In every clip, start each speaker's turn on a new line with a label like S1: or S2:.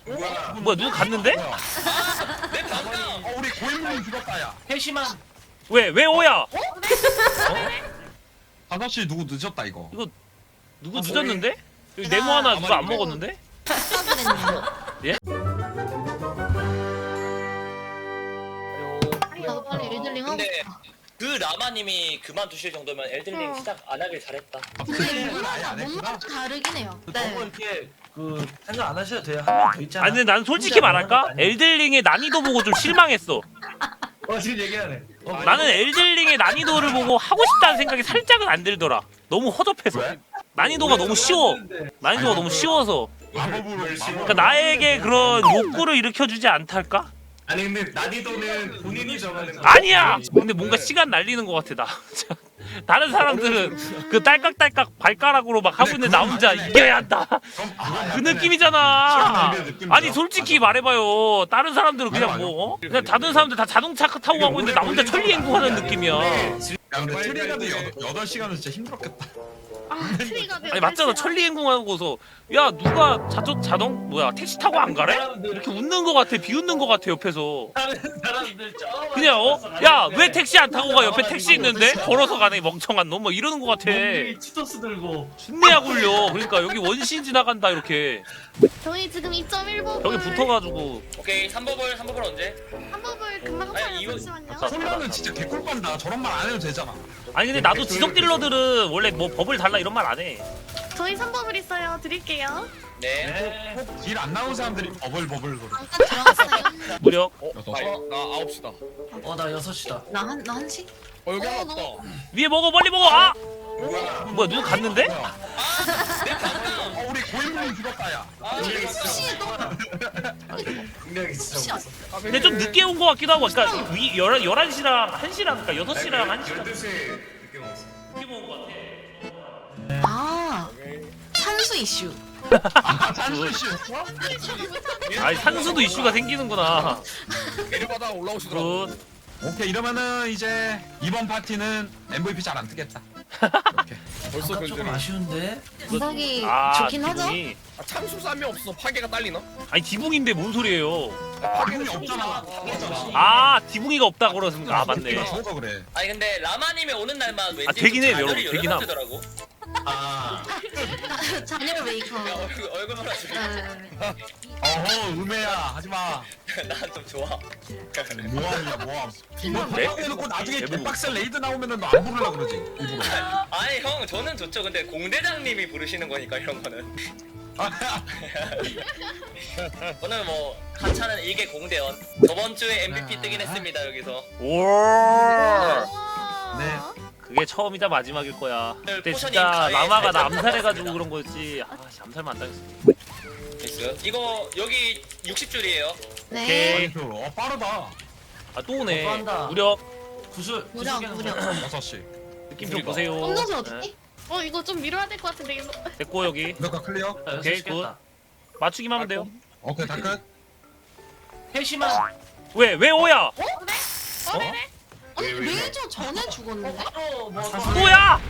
S1: 뭐야 누구 갔는데?
S2: 내 방금
S3: 우리 고인물이 죽었다 야.
S4: 회심한
S1: 왜 오야?
S3: 5시 누구 늦었다 이거.
S1: 누구 늦었는데? 여기 네모 하나 누가 안 먹었는데?
S5: 나도 빨리 엘들링 하고
S2: 근데
S5: 싶다.
S2: 그 라마님이 그만두실 정도면 엘든링 시작 안 하길 잘했다.
S5: 근데
S3: 아예 안 했구나.
S5: 뭔가 다르긴 해요.
S4: 너무
S5: 네.
S4: 이렇게 그 생각 안 하셔도 돼요. 한 명 더 있잖아.
S1: 아니 근데 난 솔직히 말할까? 엘들링의 난이도 보고 좀 실망했어.
S4: 지금 얘기하네.
S1: 나는 엘들링의 난이도를 보고 하고 싶다는 생각이 살짝은 안 들더라. 너무 허접해서.
S3: 왜?
S1: 난이도가 너무 쉬워. 난이도가 너무 쉬워서.
S3: 마법으로
S1: 그러니까 나에게 그런 욕구를 일으켜주지 않달까?
S6: 아니 근데 난이도는 본인이 정하는 거.
S1: 아니야! 근데 뭔가 시간 날리는 것 같아 나. 다른 사람들은 그 딸깍딸깍 발가락으로 막 하고 있는데 나 혼자 이겨야 한다. 그 느낌이잖아. 아니 솔직히 말해봐요. 다른 사람들은 그냥 뭐 그냥 다른 사람들 다 자동차 타고 가고 있는데 나 혼자 천리행구하는 느낌이야.
S3: 야 근데 트리가도 8시간은 진짜 힘들었겠다.
S1: 아니 맞잖아. 천리행궁하고서 야 누가 자동 뭐야 택시 타고 안 가래? 이렇게 웃는 것 같아. 비웃는 것 같아 옆에서.
S4: 다른 사람들
S1: 그냥 야 왜 택시 안 타고 가? 옆에 택시 있는데 걸어서 가네 멍청한 놈 뭐 이러는 것 같아.
S4: 치토스 들고
S1: 준내야 굴려. 그러니까 여기 원신 지나간다 이렇게.
S5: 저희 지금 2.1법
S1: 벽에 붙어가지고.
S2: 오케이 3법을 언제?
S5: 한 법을 금방
S2: 아니,
S5: 하면
S2: 이거-
S5: 잠시만요.
S3: 콜라는 진짜 개꿀빤다. 저런 말 안 해도 되잖아.
S1: 아니 근데 나도 지속 딜러들은 원래 뭐 법을 달라 이런 말 안 해.
S5: 저희 3법을 있어요. 드릴게요.
S2: 네.
S3: 길 안 나온 사람들이 버블버블 그래.
S5: 잠깐 들어갔어요.
S1: 무력.
S6: 나 9시다.
S4: 나 6시다.
S5: 나 1시?
S6: 여기 하나
S5: 너무-
S6: 없다.
S1: 위에 먹어 빨리 먹어. 아 뭐야 누구 갔는데?
S2: 내 방금
S3: 우리 고인물이 죽었다 야.
S5: 혹시 너
S4: 분명히 진짜
S5: 혹시
S1: 근데 좀 늦게 온 것 같기도 하고. 그러니까 11시랑 1시랑 그러니까 6시랑 1시랑
S6: 12시에 늦게 먹었어.
S1: 늦게 온것 같아.
S5: 아 산수 이슈.
S3: 산수씨였어?
S1: 아니 산수도 이슈가 생기는구나.
S6: 내려가다 올라오시더라고.
S1: 굿.
S3: 오케이 이러면은 이제 이번 파티는 MVP 잘 안 뜨겠다.
S6: 벌써
S4: 조금
S6: 별들이.
S4: 아쉬운데.
S5: 감각이
S1: 아
S5: 좋긴 하죠.
S1: 지붕이.
S6: 참수 쌈이 없어. 파괴가 딸리나?
S1: 아니 디붕인데 뭔 소리예요?
S3: 파괴이 없잖아.
S1: 아 디붕이가 없다 그러는가? 아 맞네.
S3: 이거 죽어서 그래.
S2: 아니 근데 라마님이 오는 날만 왠지
S1: 되긴 해,
S2: 좀
S1: 여러분,
S2: 자녀를
S1: 되긴 함.
S2: 연락하더라고.
S4: 아
S5: 자녀 메이커.
S2: 야 얼굴 몰아주고
S5: 네.
S3: 어허 음해야 하지마.
S2: 난좀 좋아.
S3: 모함이야 모함. 뭐
S1: 네?
S3: 해놓고 나중에
S1: 대부분.
S3: 개빡셀 레이드 나오면은 너 안 부르려 그러지 일부러.
S2: 아니 형 저는 좋죠. 근데 공대장님이 부르시는 거니까 이런 거는. 오늘 뭐 하차는 일개 공대원. 저번 주에 MVP 뜨긴 했습니다 여기서.
S1: 오.
S3: 네.
S1: 그게 처음이자 마지막일 거야. 그때
S2: 포션이
S1: 진짜
S2: 가위에
S1: 라마가 나
S2: 살짝
S1: 암살해가지고 그런 거였지. 아 씨, 암살만 안 당했어.
S2: 됐어요. 이거 여기 60줄이에요.
S5: 네.
S1: 오케이.
S3: 빠르다.
S1: 아 또 오네.
S4: 또 한다.
S1: 무력.
S4: 구슬
S5: 무력 무력.
S3: 6시.
S1: 느낌 좀 보세요.
S5: 홈노즈
S1: 네.
S5: 어딨지?
S7: 이거 좀 미뤄야 될 것 같은데 이거.
S1: 됐고 여기
S3: 몇가 클리어?
S1: 오케이, 맞추기만 하면 돼요.
S3: 오케이 다 끝.
S4: 회심한
S1: 왜 오야?
S7: 네네.
S5: 아니 레이저 전에 죽었는데?
S4: 바로 뭐
S1: 또야?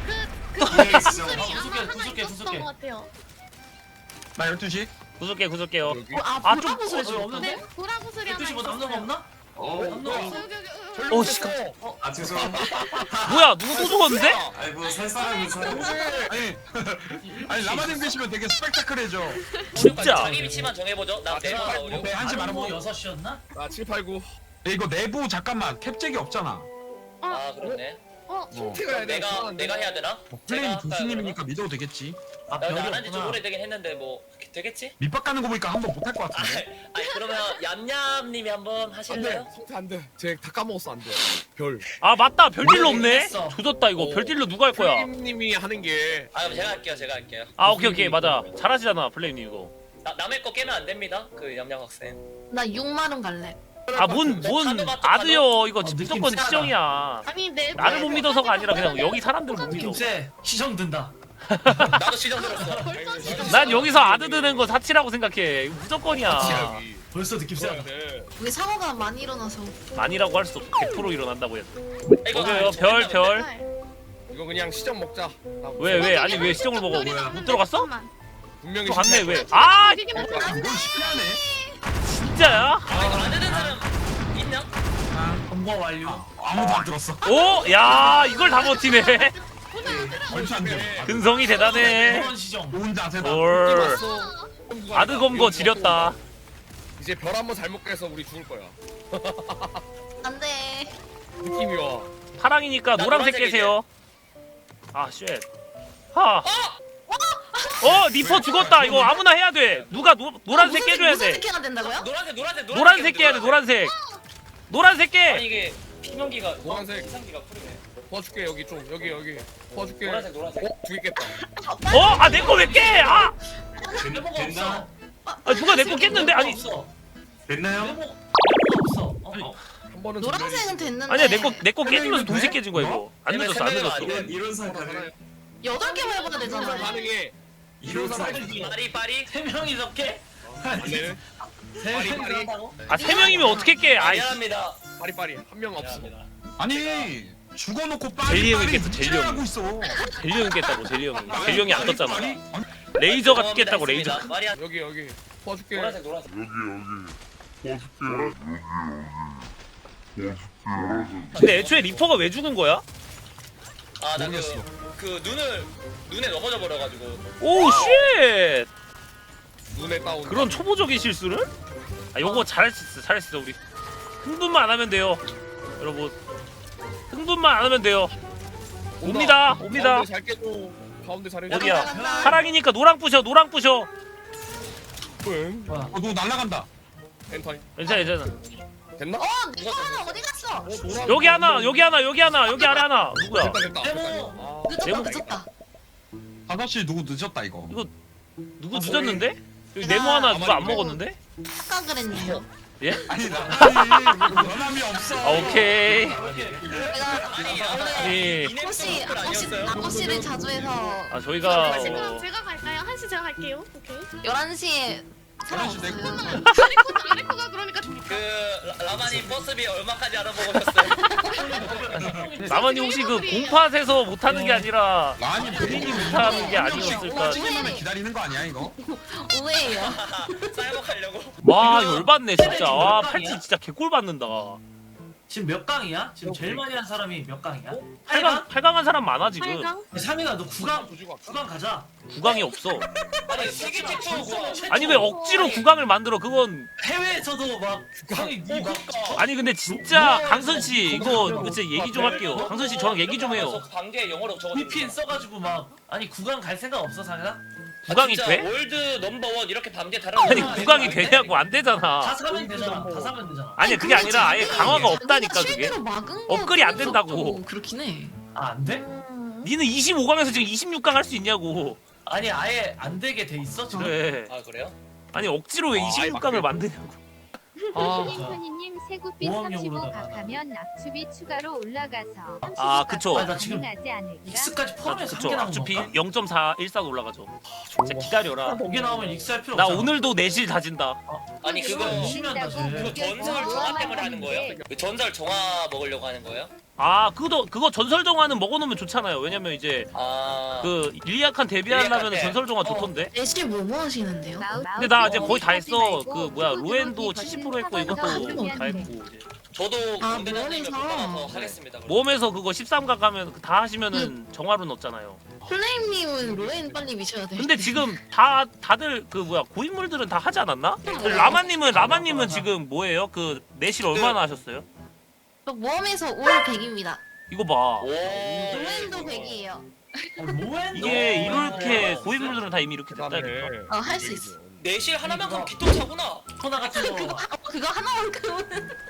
S4: 구슬게.
S7: 것 같아요.
S3: 나 12시.
S1: 구슬게요.
S5: 아
S1: 아,
S5: 보라 구슬에
S4: 좀
S5: 죽었는데?
S7: 네, 보라고 소리 하나
S4: 12시 뭐 남는 거
S7: 있었어요.
S4: 없나? 남는 거 없어?
S7: 여기.
S1: 어 씨.
S6: 아 죄송합니다.
S1: 뭐야 누구 또 죽었는데?
S6: 아니 뭐살 사람이 살.
S3: 아니 아니 라마님 계시면 되게 스펙타클해져.
S1: 진짜.
S2: 자기 위치만 정해보죠. 나 내가 나오려고.
S3: 오케이 한시
S4: 뭐
S3: 말하고.
S4: 6시였나?
S6: 아 7, 8, 9.
S3: 이거 내부 잠깐만 캡잭이 없잖아.
S2: 아 그렇네.
S6: 티가
S2: 내가 해야 되나?
S3: 플레임
S2: 제가
S3: 교수님이니까 믿어도 되겠지.
S4: 아
S2: 나
S4: 별이
S2: 안한 지 좀
S4: 없구나.
S2: 오래되긴 했는데 뭐 되겠지?
S3: 밑밥 가는 거 보니까 한번 못할 것 같은데.
S2: 아니 그러면 얌얌님이 한번
S6: 안돼.
S2: 하실래요?
S6: 성태 안돼. 쟤다 까먹었어 안돼. 별.
S1: 아 맞다 별딜로 없네.
S4: 했어.
S1: 조졌다 이거.
S6: 어.
S1: 별딜로 누가 할 거야?
S6: 님이 하는 게.
S2: 아 그럼 제가 할게요.
S1: 아 오케이 맞아. 잘하시잖아 플레임님 이거.
S2: 남의 거 깨면 안 됩니다. 그 얌얌 학생.
S5: 나 6마름 갈래.
S1: 아 뭔 아드요 이거
S4: 느낌
S1: 무조건
S4: 세다.
S1: 시정이야.
S7: 아니 내
S1: 나를 못 믿어서가 아니라 그냥 여기 사람들 못 믿어.
S4: 김세 시정 든다.
S2: 나도 시정 들었어.
S1: 난 여기서 아드 드는 거 사치라고 생각해. 이거 무조건이야.
S6: 여기.
S4: 벌써 느낌 세다.
S6: 네.
S5: 우리 사고가 많이 일어나서.
S1: 아니라고 할 수 없어. 100% 일어난다고 했어.
S2: 이거
S1: 여기요 별.
S6: 이거 그냥 시점 먹자.
S1: 왜 아니 왜 시정을 먹어? 못 들어갔어?
S6: 분명히
S1: 또 갔네
S6: 실패할
S1: 왜?
S6: 거야.
S1: 아
S7: 이게
S3: 뭘 시키하네.
S4: 공모 완료.
S3: 아무도 안 들었어.
S1: 오, 야, 이걸 다 버티네.
S3: 절대 안 돼.
S1: 근성이 대단해.
S4: 이런 시정.
S3: 좋은 자세다.
S1: 올. 아드검거 지렸다.
S6: 이제 별 한번 잘못 깨서 우리 죽을 거야.
S5: 안돼.
S6: 느낌이 와.
S1: 파랑이니까
S2: 나
S1: 노란색
S2: 노란색이지.
S1: 깨세요. 아, 쉣. 하. 니퍼 죽었다. 이거 아무나 해야 돼. 누가 노란색 깨줘야
S5: 무슨
S1: 돼.
S5: 색 해야 된다고요?
S1: 노란색 깨야 돼. 노란색. 노란색
S2: 아니
S1: 깨.
S2: 이게 피명기가
S6: 노란색.
S2: 이상기가 풀리네.
S6: 도와줄게 여기 좀 여기 도와줄게.
S2: 노란색.
S6: 두개 깼다.
S1: 아, 내 거 왜 깨? 아,
S4: 메모가 없어.
S1: 누가 내 거 깼는데? 아니,
S3: 됐나요?
S4: 메모가 없어.
S6: 한 번은
S5: 노란색은 됐는데.
S1: 아니야, 내 거 깨지면서 동시에 깨진 거야 이거. 안
S2: 왜냐면
S1: 늦었어, 안
S2: 세명이가
S1: 늦었어.
S2: 아니네.
S6: 이론상 가능해.
S5: 8개 해봐야
S6: 이론상
S5: 되잖아요.
S6: 가능해. 이론상 가능해.
S2: 빠리.
S4: 세 명이서 깨?
S6: 안 되네.
S4: 세
S6: 빨리,
S4: 명이서
S6: 빨리.
S4: 한다고?
S1: 아, 3명이면 어떻게 깨? 아이,
S2: 미안합니다.
S6: 빠리 한 명 없어.
S2: 미안합니다.
S3: 아니 죽어놓고
S1: 젤리 형이
S3: 빨리
S1: 깼어, 젤리
S3: 찔러하고
S1: 형이.
S3: 있어.
S1: 젤리 형이 깼다고, 젤리 형이. 젤리 형이 안 떴잖아. 레이저가 깼다고, 레이저.
S2: 마리아
S6: 여기 도와줄게.
S2: 노란색.
S1: 근데 애초에 리퍼가 왜 죽은 거야?
S2: 아나
S3: 모르겠어.
S2: 그 눈에 넘어져 버려가지고.
S1: 오, 쉣!
S6: 눈에 따온.
S1: 그런 초보적인 실수를? 아, 요거 잘할 수 있어, 우리. 흥분만 안 하면 돼요. 여러분. 흥분만 안 하면 돼요. 옵니다.
S6: 가운데 잘 깨줘. 가운데 잘해줘.
S1: 어디야?
S5: 간다.
S1: 파랑이니까 노랑 부셔, 노랑 부셔.
S6: 응.
S4: 뭐야?
S3: 너 날라간다.
S6: 엔타임.
S1: 괜찮아.
S6: 됐나?
S5: 내거 하나 어디 갔어?
S1: 여기 하나, 여기 아래 하나. 누구야?
S6: 됐다.
S4: 메모.
S5: 늦었다.
S3: 5시 누구 늦었다 이거.
S1: 누구 늦었는데? 여기 네모 하나 누가 안 먹었는데?
S5: 아까 그랬네요.
S1: 예?
S3: 아니 변함이 없어.
S1: 아, 오케이.
S5: 내가 원래
S1: 예.
S5: 아코씨 아코씨를 자주 해서
S1: 아, 저희가
S7: 한시 그럼 제가 갈까요? 한시 제가 갈게요. 오케이.
S5: 11시에 사람
S3: 11시 내
S5: 없어요.
S7: 아레코가 그러니까
S2: 그 라마님 버스비 얼마까지 알아보고 오셨어요?
S1: 나만이 혹시 그 공팟에서 못하는 게 아니라
S3: 아니
S1: 본인이 못하는 게 아니었을까?
S3: 찍으면 기다리는 거 아니야 이거?
S5: 오해예요.
S2: 쌀먹하려고.
S1: 와, 열받네 진짜. 와, 팔찌 진짜 개꼴 받는다.
S4: 지금 몇 강이야? 지금 제일 많이 한 사람이 몇 강이야?
S1: 8강한 사람 많아 지금.
S7: 8강?
S4: 상민아 너 9강 가자.
S1: 9강이 없어.
S2: 아니 세계 최초고.
S1: 아니 왜 억지로 9강을 만들어? 그건
S4: 해외에서도 막 상이 니막
S1: 아니 근데 진짜 강선 씨 이거 진짜 얘기 좀 할게요. 강선 씨 저랑 얘기 좀 해요.
S2: 관계 영어로 적어.
S4: VPN 써가지고 막 아니 9강 갈 생각 없어 상민아?
S1: 9강이 돼?
S2: 월드 넘버원 이렇게 반개 다른.
S1: 아니 9강이 되냐고 안
S4: 다
S1: 되잖아.
S4: 사면 되잖아. 다 사면 되잖아.
S1: 아니 그게 아니라 아예 강화가 없다니까 그게.
S5: 실제로 막은 거
S1: 업글이 안 된다고.
S5: 그렇긴 해.
S4: 아 안 돼?
S1: 니는 25강에서 지금 26강 할 수 있냐고.
S4: 아니 아예 안 되게 돼 있어 지금?
S1: 그래.
S2: 아 그래요?
S1: 아니 억지로 왜 26강을 만드냐고. 아,
S8: 토니님 세구빛
S4: 모험용으로
S8: 35각 하면 낙추비 추가로 올라가서
S1: 아, 그쵸.
S4: 아, 나 지금
S8: 가능하지 않을까?
S4: 익스까지 포함해서
S1: 그쵸.
S4: 3개 나온
S1: 어차피
S4: 건가?
S1: 0.414가 올라가죠. 진짜 기다려라.
S4: 5개 나오면 익스할 필요
S1: 나
S4: 없잖아.
S1: 오늘도 내실 다진다.
S2: 아니 그거
S4: 열심히 한다
S2: 그
S4: 쟤.
S2: 전설 정화 때문에 하는 거예요? 그 전설 정화 먹으려고 하는 거예요?
S1: 아, 그거 전설 정화는 먹어놓으면 좋잖아요. 왜냐면 이제
S2: 아.
S1: 그 일리아칸 데뷔하려면
S2: 일리아칸
S1: 전설 정화 좋던데.
S5: 내실 뭐 하시는데요?
S1: 근데 나 이제 거의 다 했어. 그 뭐야 로엔도 70% 했고 이것도 다 했고 이제.
S2: 저도
S5: 아,
S2: 군대장님을 못
S5: 모험에서.
S2: 받아서 하겠습니다. 그럼.
S1: 모험에서 그거 13강 가면 다 하시면은 정화로 넣었잖아요.
S5: 플레임님은 로엔 빨리 미쳐야 돼.
S1: 근데 지금 다들 그 뭐야 고인물들은 다 하지 않았나? 그 라마님은 지금 뭐예요? 그 내실 얼마나 하셨어요?
S5: 저 모험에서 올 100입니다.
S1: 이거 봐.
S2: 오.
S5: 로엔도 100이에요.
S4: 뭐해?
S1: 이게 이렇게 고인물들은 다 이미 이렇게
S6: 대단해.
S1: 됐다니까.
S5: 할 수 있어.
S2: 내실 하나만큼 기똥차구나.
S4: 코나 같은 거.
S5: 그거 하나만큼은